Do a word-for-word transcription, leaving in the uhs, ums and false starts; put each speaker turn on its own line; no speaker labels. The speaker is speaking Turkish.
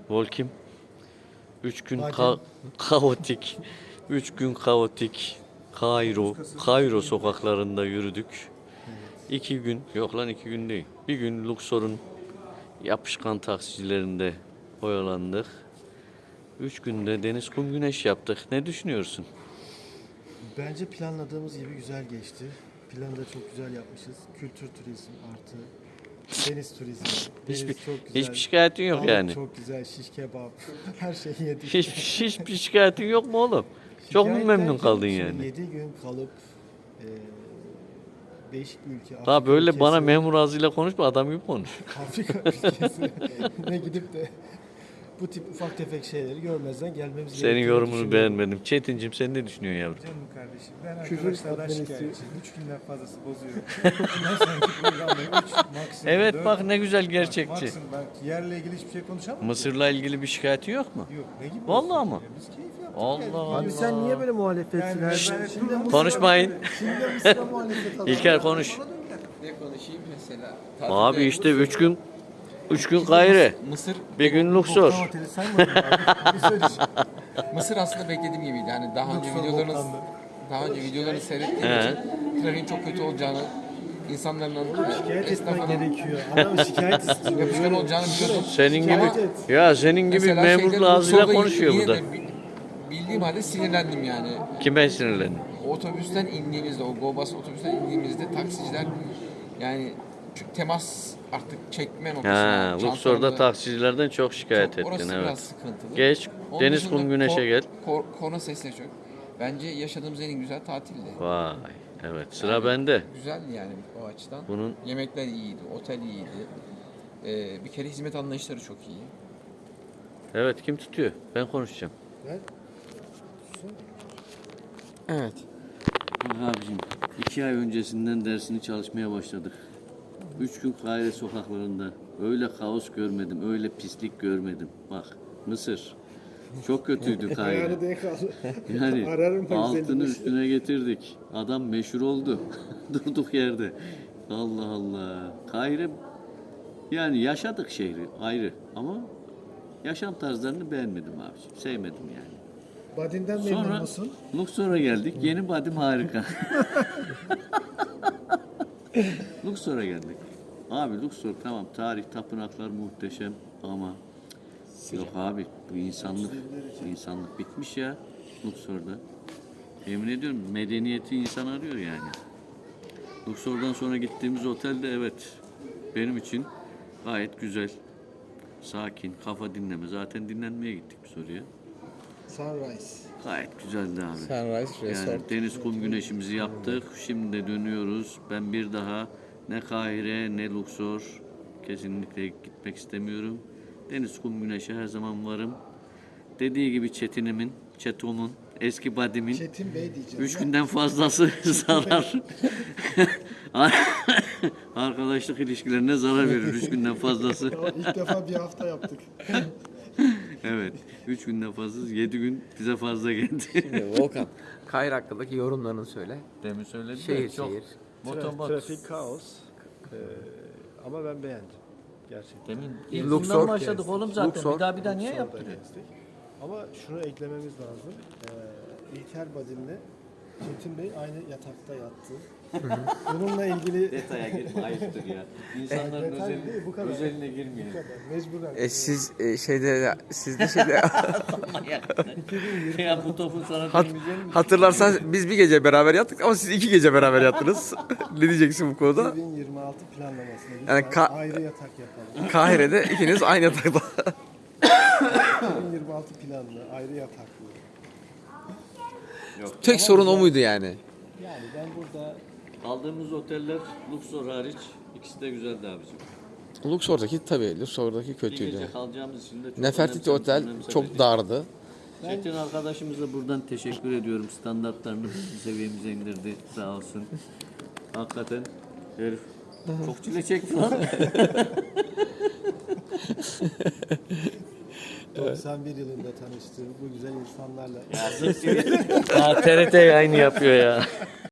Volkim. Üç gün
Badem.
ka- kaotik. Üç gün kaotik. Kairo. Kairo sokaklarında yürüdük. İki gün, yok lan iki gün değil. Bir gün Luxor'un yapışkan taksicilerinde oyalandık. Üç günde deniz, kum, güneş yaptık. Ne düşünüyorsun?
Bence planladığımız gibi güzel geçti. Planı da çok güzel yapmışız. Kültür turizm artı deniz turizmi. Deniz
Hiçbir,
çok güzel.
hiçbir şikayetin yok
Balık
yani.
çok güzel, şiş kebap. Her şeyi yedik.
Hiç, hiçbir şikayetin yok mu oğlum? Çok mu
Şikayet
memnun
derken
kaldın
şimdi
yani?
yedi gün kalıp e, değişik bir ülke.
Daha
Afrika
böyle
ülkesi,
bana memur ağzıyla konuşma, adam gibi konuş.
Afrika ülkesi ne gidip de bu tip ufak tefek şeyleri görmezden gelmemiz
Senin
gerektiğini
yorumunu
düşünüyorum.
beğenmedim. Çetincim sen ne düşünüyorsun yavrum?
Canım kardeşim, ben
Küfür
arkadaşlardan
etmeni
şikayetçiyim. Üç günden fazlası bozuyorum. Bundan sonraki programda üç, maksimum
Evet
dört.
bak ne güzel
Bak,
gerçekçi.
Maksimum bak yerle ilgili hiçbir şey konuşamam.
Mısır'la ilgili bir şikayetin yok mu?
Yok, ne gibi?
Vallahi
olsun
ama.
ya, Biz keyif yaptık.
Allah
yani.
Allah.
Abi sen niye böyle muhalefetsin?
Yani
her
ben-
şey?
ben-
Şimdi
Dur,
Mısır'a-
Konuşmayın.
Şimdi Mısır'a muhalefet alalım.
İlker konuş.
Ne konuşayım mesela?
Abi işte üç gün üç gün Kahire,
Mısır
bir gün
Boktan
Luxor.
Oteli saymadın abi. Bir söyleyeceğim.
Mısır aslında beklediğim gibiydi. Yani daha önce
Luxor
videolarınız
boktandı.
daha önce videolarını seyrettiğim
He.
için trafiğin çok kötü olacağını, insanların anladığını,
Şikayet etmen
esnafın
gerekiyor. Adam şikayet istiyor.
yapışkan olacağını biliyordum.
Senin gibi
Şikayet et.
ya senin gibi
Mesela
memur
şeyde,
ağzıyla
Luxor'da
konuşuyor
yine
burada.
de bi- Bildiğim halde sinirlendim yani.
Kime sinirlendin?
Otobüsten indiğimizde, o GoBus otobüsten indiğimizde taksiciler yani çünkü temas artık çekme noktasına.
Ha, Luxor'da
çantalarında-
taksicilerden çok şikayet
Çok- orası
ettin
biraz
evet.
sıkıntılı.
Geç
Onun
deniz,
dışında
kum, güneşe
ko-
gel.
ko- konu sesle çok. Bence yaşadığımız en güzel tatildi.
Vay evet sıra
Yani
bende.
Güzeldi yani o açıdan.
Bunun
Yemekler iyiydi, otel iyiydi. Ee, bir kere hizmet anlayışları çok iyi.
evet kim tutuyor? Ben konuşacağım.
Ben-
Evet.
Bak abicim iki ay öncesinden dersini çalışmaya başladık. Üç gün Kahire sokaklarında öyle kaos görmedim, öyle pislik görmedim. Bak Mısır çok kötüydü Kahire.
Ayağını denk al.
Yani
Ararım bak
altını
seni.
üstüne getirdik. Adam meşhur oldu. Durduk yerde. Allah Allah. Kahire yani yaşadık şehri ayrı ama yaşam tarzlarını beğenmedim abiciğim. Sevmedim yani.
Badin'den memnun
Sonra
musun?
Luxor'a geldik. Yeni badim harika. Luxor'a geldik. Abi Luxor tamam tarih tapınaklar muhteşem ama yok abi bu insanlık bu insanlık bitmiş ya Luxor'da. Yemin ediyorum medeniyeti insan arıyor yani. Luxor'dan sonra gittiğimiz otel de evet benim için gayet güzel. Sakin, kafa dinleme. Zaten dinlenmeye gittik biz oraya.
Sunrise.
Gayet güzeldi abi.
Sunrise
Yani deniz, kum, güneşimizi yaptık. Şimdi de dönüyoruz. Ben bir daha ne Kahire ne Luxor kesinlikle gitmek istemiyorum. Deniz, kum, güneşe her zaman varım. Dediği gibi Çetin'imin, Çetom'un, eski badimin
Çetin Bey diyeceğim.
üç günden fazlası zarar. Arkadaşlık ilişkilerine zarar verir üç günden fazlası.
İlk defa bir hafta yaptık.
Evet. Üç günden fazla, yedi gün bize fazla geldi.
Volkan. Kahire hakkındaki yorumlarını söyle.
Demin söyledim.
Şehir şehir.
Motobot.
Trafik kaos. Ee, ama ben beğendim. Gerçekten.
Demin
ilk
Luxor
günden
başladık oğlum zaten.
Luxor.
Bir daha bir daha niye
Luxor'da
yaptırıyor?
gezdik. Ama şunu eklememiz lazım. Ee, İlker Badin'le Çetin Bey aynı yatakta yattı. Bununla ilgili
Detaya girme ayıptır ya. İnsanların
Detay
özel,
değil, bu kadar.
özeline girmeyelim.
mecburen.
E siz e, şeyde siz de şeyde
Ya bu topun sana
Hat-
değmeyeceğini mi?
hatırlarsan biz bir gece beraber yattık ama siz iki gece beraber yattınız. Ne diyeceksin bu konuda?
iki bin yirmi altı planlamasına
Yani
lütfen
ka-
ayrı yatak yapalım.
Kahire'de ikiniz aynı yatakta.
iki bin yirmi altı planlı, ayrı yataklı.
Tek sorun o muydu yani?
Yani ben burada
Kaldığımız oteller Luxor hariç ikisi de güzeldi abicim.
Luxor'daki tabii Luxor'daki
Bir
kötüydü.
gece kalacağımız için de çok
Nefertiti
önemsemiş,
Otel
önemsemedik.
çok dardı.
Çetin arkadaşımıza buradan teşekkür ediyorum. Standartlarını bizim seviyemize indirdi sağ olsun. Hakikaten herif çok çile çekti lan.
doksan bir yılında tanıştığım bu güzel insanlarla
Ya T R T yayını yapıyor ya.